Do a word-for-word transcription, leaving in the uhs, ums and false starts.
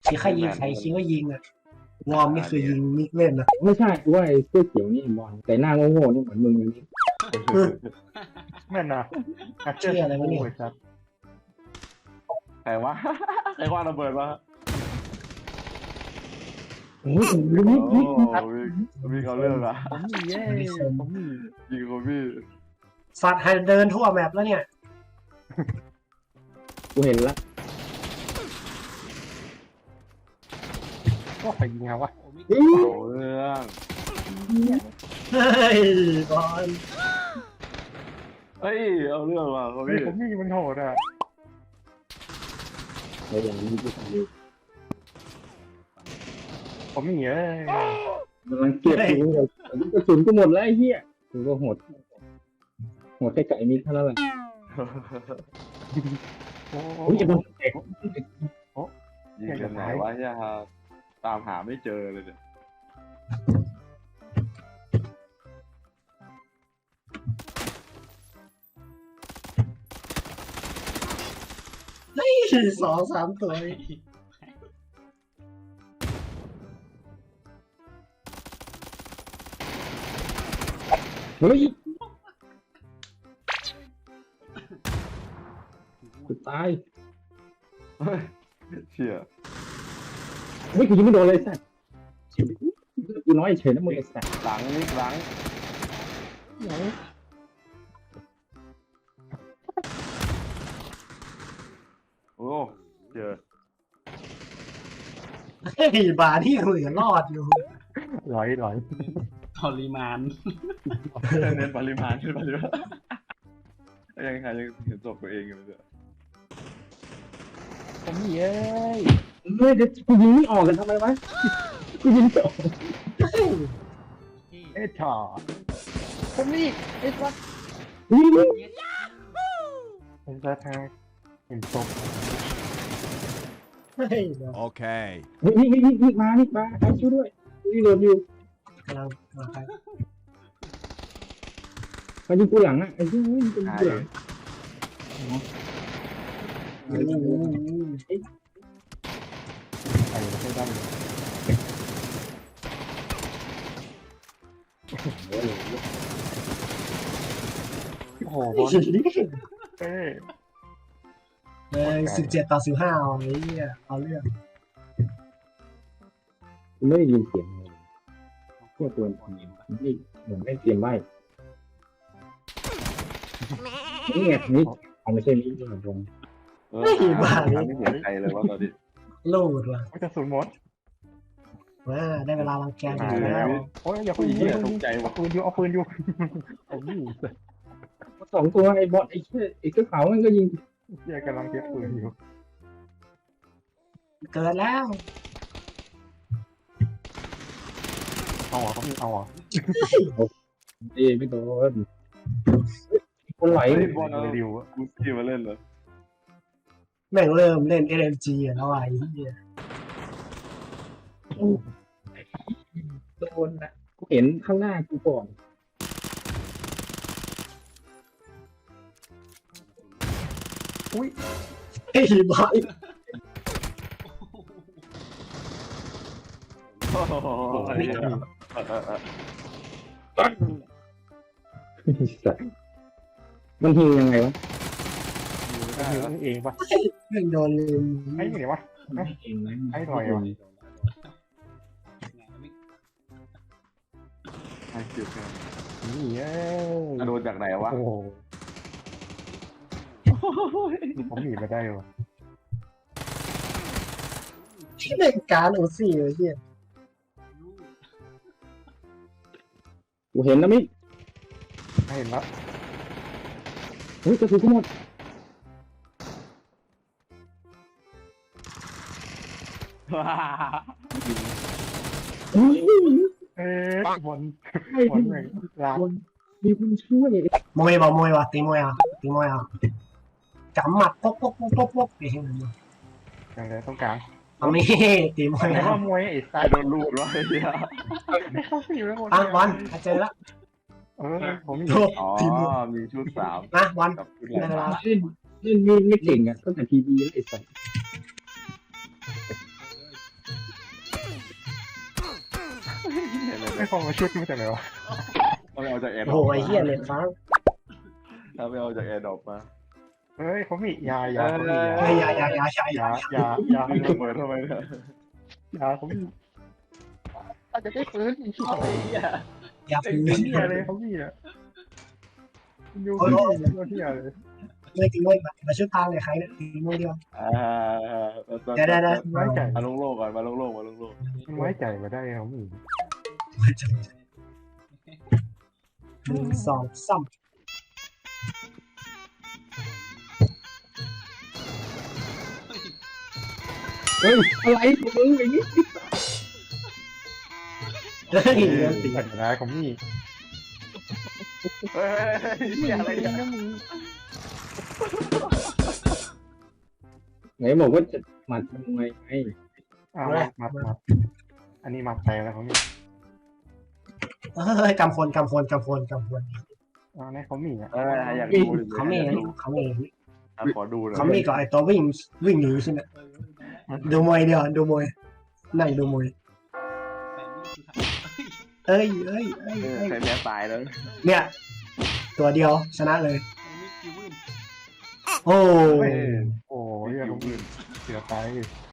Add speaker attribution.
Speaker 1: มีใครยิงใครคิดว่ายิงอ่ะวอร์มนี่คือยิงมิกเล่นนะ
Speaker 2: ไม่ใช่กูว่าไอ้เสื้อเขียวนี่บอลแต่หน้าโง่ๆนี่เหมือนมึงเลยนี่
Speaker 3: แม่นนะอาเชื่ออะไรวะเนี่ยครับ
Speaker 4: ใครวะใครว่าระเบิดวะ
Speaker 2: โอ้ย
Speaker 4: โอ้
Speaker 2: นี่นี่
Speaker 4: มีเขาเรื่องอะ
Speaker 3: ผมมีเย้ผมมี
Speaker 4: ยิงคนพี่
Speaker 1: สัตว์ให้เดินทั่วแมปแล้วเนี่ย
Speaker 2: กูเห็นละ
Speaker 3: ก็ใครยิงเอาวะ
Speaker 2: เฮ้ย
Speaker 4: เอาเรื่อง
Speaker 1: เฮ้ยบอล
Speaker 4: เฮ้ยเอาเรื่องว่ะเขา
Speaker 3: เฮ้ย
Speaker 4: พี่
Speaker 3: ผมมีมันโหดอ่ะ
Speaker 2: ไอ้อย่างนี้กูทำอยู่
Speaker 3: ผมมีเอ้ย
Speaker 2: กำลังเก็บกูเลยกระสุนกูหมดแล้วไอ้เหี้ยกูก็โหดโหดแค่ไก่มิดเท่านั้นแหละ
Speaker 3: โอ้โห
Speaker 2: โอ้ยจะโดนเตะ
Speaker 4: ยิงกันไหนวะเนี่ยฮะตามหาไม่เจอเลยเนี่ย
Speaker 1: เฮ้ยสองสามตัว
Speaker 2: เฮ้ยกูตาย
Speaker 4: เฮ้ยเชี่ย
Speaker 2: เฮ้ยกูยิงไม่โดนเลยสัตว์กูน้อยเฉยนะมึงไอ้สัตว์
Speaker 4: หลังนิกหลังโอ้เจอ
Speaker 1: เฮ้ยบาร์นี่เหลือรอดอยู่
Speaker 3: หลอยหลอย
Speaker 5: ปริมาณ
Speaker 4: เน้นปริมาณขึ้นปริมาณยังใครยังเห็นศพตัวเองอยู่เลย
Speaker 3: ผมมีเอ้ย
Speaker 2: เฮ้ยเดี๋ยวกูยิงไม่ออกกันทำไมวะกูยิงไม่ออก
Speaker 3: เอ้ยชอผมมีเอ้ยวัด
Speaker 2: ยิง
Speaker 3: ผมจะทางเห็นศพ
Speaker 1: เฮ้ยเดี๋ยว
Speaker 6: Okay.
Speaker 2: นี่นี่นี่นี่มานี่มาใครช่วยด้วยนี่โดนอยู่
Speaker 1: กำลังมาใคร
Speaker 2: มายิงกูหลังอ่ะไอ้เหี้ยยิงกูหลัง
Speaker 1: อืม
Speaker 3: ใครไม่ได้เลยโอ้โหบอลเอ้ย
Speaker 1: เออสิบเจ็ดต่อสิบห้าเอาไอ้เหี้ยเอาเรื่อง
Speaker 2: กูไม่ได้ยินเสียงเลยพวกตัวนี้ไม่เหมือนไม่เตรียมไว้นี่ไงนี่เอาไม่ใช่นี่นี่ตรง
Speaker 4: เออหาไม่เห็นใครเลยว่าตอนนี้
Speaker 1: ลูดว่ะ
Speaker 3: กระสุนหมด
Speaker 1: ว่าได้เวลารังแก
Speaker 3: มา
Speaker 1: อีก
Speaker 3: แล้
Speaker 1: แล้ว
Speaker 3: วโอ้ยอย่าคุย
Speaker 4: เหี้ยตกใจ
Speaker 3: เอา
Speaker 4: ว่ะ
Speaker 3: ปืนอยู่เอาปืนอยู่ผมมี
Speaker 2: สองตัวไอ้บอลไอ้เชี่ยไอ้เสื้อขาวมันก็ยิง
Speaker 3: เฮียกำลังเก็บปืนอยู่
Speaker 1: เกิดแล้ว
Speaker 3: เอาเหรอเขามีเอาเหรอ
Speaker 2: เอ้ไม่โดนคนไหล
Speaker 4: เฮ้ยบอลเอา
Speaker 3: ริวอะ
Speaker 4: กูซี่มาเล่นเลย
Speaker 1: แม่งเริ่มเล่น เอ เอ็ม จี อ่ะแล้วไอ้เหี้ย
Speaker 2: โดนนะกูเห็นข้างหน้ากูก่อน
Speaker 3: อุ้ย
Speaker 1: เฮ้ยบอล
Speaker 4: โอ้โห
Speaker 2: สัตว์มันหิวยังไงวะ
Speaker 3: ยิงเองปะ
Speaker 1: แม่งโดนลืม
Speaker 3: ไอ้เนี่ยวะ
Speaker 2: เองนะ
Speaker 3: ไอ้หน่อยวะ
Speaker 4: ไอ้เจ็บแค่
Speaker 3: นี่เอ้ย
Speaker 4: โดนจากไหนวะ
Speaker 3: โอ้โหผมหนีมาได้วะ
Speaker 1: เล่นการโอซี่ไอ้เหี้ย
Speaker 2: กูเห็นแล้วมิ
Speaker 3: ไม่เห็นแล้ว
Speaker 2: เฮ้ยกระสุนกูหมด เฮ้ย
Speaker 3: เอ๊ะบอล
Speaker 2: ไอ้
Speaker 3: บอล
Speaker 2: ที่
Speaker 3: แม่งลาก
Speaker 2: คนมีคนช่วย
Speaker 1: มวยบอกมวยว่ะตีมวยอ่ะตีมวยอ่ะกำหมัดป๊อกป๊อกป๊อกป๊อกป๊อกไอ้เหี้ย
Speaker 3: อย่างไรต้องกลาง
Speaker 1: เอาไม่ตีมวย
Speaker 3: แต่
Speaker 1: แล้ว
Speaker 3: ว่ามวยไอ้
Speaker 4: ใคร
Speaker 3: สาย
Speaker 4: โดนลูดวะไอ้เหี้ย
Speaker 3: ไม่เข้าสิแล้ว
Speaker 1: อ่ะบอลเจอแล้ว
Speaker 3: เออผมมี
Speaker 1: โอ้
Speaker 4: อ๋อ
Speaker 1: ตีมวย
Speaker 4: มีชุดสาม
Speaker 1: นะบอล
Speaker 4: กับชุด
Speaker 1: ได้เว
Speaker 4: แหล
Speaker 1: ลาม
Speaker 2: เล่นเล่นมีดไม่เก่งอ่ะตั้งแต่ทีวีแล้วไอ้สัส
Speaker 3: ไม่คงมาชุดมาจากไหนวะ
Speaker 4: ถ้าไม่เอาจากแอร์ด
Speaker 1: โอ้
Speaker 4: รอ
Speaker 1: โห
Speaker 4: ป
Speaker 1: ไอ้เหี้ยเลนฟ้า
Speaker 4: ถ้าไม่เอาจากแอร์ดรอปมา
Speaker 3: เฮ้ยเขามียายาเขามี
Speaker 1: ไอ้
Speaker 3: ยาย
Speaker 1: ยายายาใช่
Speaker 3: ยายายา
Speaker 4: มึงระเบิดทำไมเนี่ย
Speaker 3: ยาเขามีอาจจะได้ฟื้นอีกที
Speaker 5: ไอ้เหี้ย
Speaker 1: ยาฟื้น
Speaker 3: เฮียเลยเขามีอ่ะยูเขามีก็เฮียเลย
Speaker 1: เลยตีมวยมาช่วยพางเลยใครเนี่ยตีมวยเดียว
Speaker 4: อ่า
Speaker 1: เดี๋ยวเดี๋ยวเดี๋ยว
Speaker 3: ไว้ใจ
Speaker 4: มาลงโลกก่อนมาลงโลกมาลงโลก
Speaker 3: มันไว้ใจมาได้เขามี
Speaker 1: หนึ่งสองสาม
Speaker 2: เฮ้ยอะไรของมึงอย่างนี้
Speaker 1: เฮ้ยเรื่องตี
Speaker 3: แต่นะเขามี
Speaker 4: เฮ้ยเหี้ยอะไรเนี่ย
Speaker 2: ไหนบอกว่าจะหมัดมวยไง
Speaker 3: อ้าวมัดมัดมัดอันนี้มัดใจแล้วเขามี
Speaker 1: เฮ้ยกำคนกำคนกำคนกำคน
Speaker 3: อ๋อเนี่ยเขามีอ่ะ
Speaker 4: เอออยากดู
Speaker 1: เขามีเขามี
Speaker 4: ขอดูหน่อย
Speaker 1: เขามีกับไอ้ตัววิ่งวิ่งหนีใช่ไหมดูมวยเดียวดูมวยนั่งดูมวย
Speaker 5: แปดนิ้วสุดท้าย
Speaker 1: เอ้ยเอ้ยเอ้ย
Speaker 4: เออ
Speaker 1: เอ้ย
Speaker 4: ใครแพ้ตายแล้ว
Speaker 1: เนี่ย ตัวเดียวชนะเลย
Speaker 5: ไอ้มิกคิววิน
Speaker 1: โอ้
Speaker 3: โอ้ยเขามีเสียตาย